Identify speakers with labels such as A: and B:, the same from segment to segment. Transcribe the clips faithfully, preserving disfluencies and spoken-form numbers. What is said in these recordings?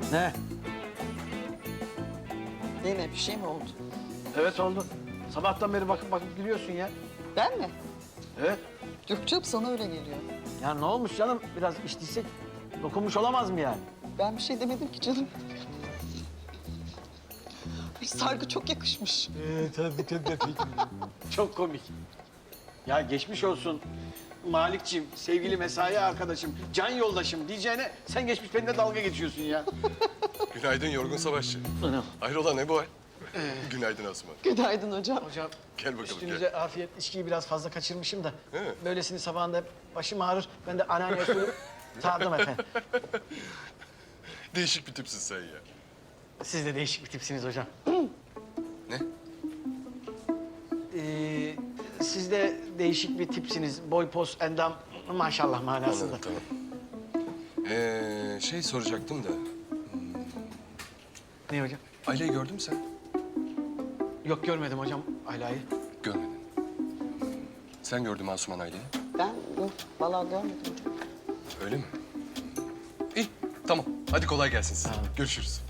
A: Ne?
B: Yine bir şey mi oldu?
A: Evet oldu. Sabahtan beri bakıp bakıp gülüyorsun ya.
B: Ben mi?
A: Evet.
B: Yok canım, sana öyle geliyor.
A: Ya ne olmuş canım? Biraz içtiysek dokunmuş olamaz mı yani?
B: Ben bir şey demedim ki canım. Ay, sargı çok yakışmış.
A: Ee, tabii tabii. Çok komik. Ya geçmiş olsun Malikciğim, sevgili mesai arkadaşım, can yoldaşım diyeceğine sen geçmiş benimle dalga geçiyorsun ya.
C: Günaydın yorgun savaşçı.
A: Anam.
C: Hayrola ne bu hal? Günaydın Asuman.
B: Günaydın hocam.
A: Hocam
C: Gel bakalım,
A: üstünüze afiyet, içkiyi biraz fazla kaçırmışım da.
C: He.
A: Böylesini sabahında başım ağrır. Ben de anneanne usulü sağdım efendim.
C: Değişik bir tipsin sen ya.
A: Siz de değişik bir tipsiniz hocam.
C: Ne?
A: Ee, siz de değişik bir tipsiniz. Boy, poz, endam maşallah manasında.
C: Anladım tamam. Ee, şey soracaktım da.
A: Ne hocam?
C: Aileyi gördün mü sen?
A: Yok görmedim hocam Ayla'yı.
C: Görmedin. Sen gördün mü Asuman aileyi?
B: Ben yok, vallahi görmedim hocam.
C: Öyle mi? İyi tamam. Hadi kolay gelsin size.
A: Sağ olun.
C: Görüşürüz.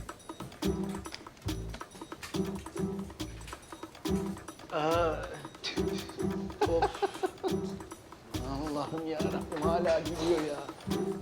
A: Aa, of. Allah'ım ya Rabbim hala gidiyor ya.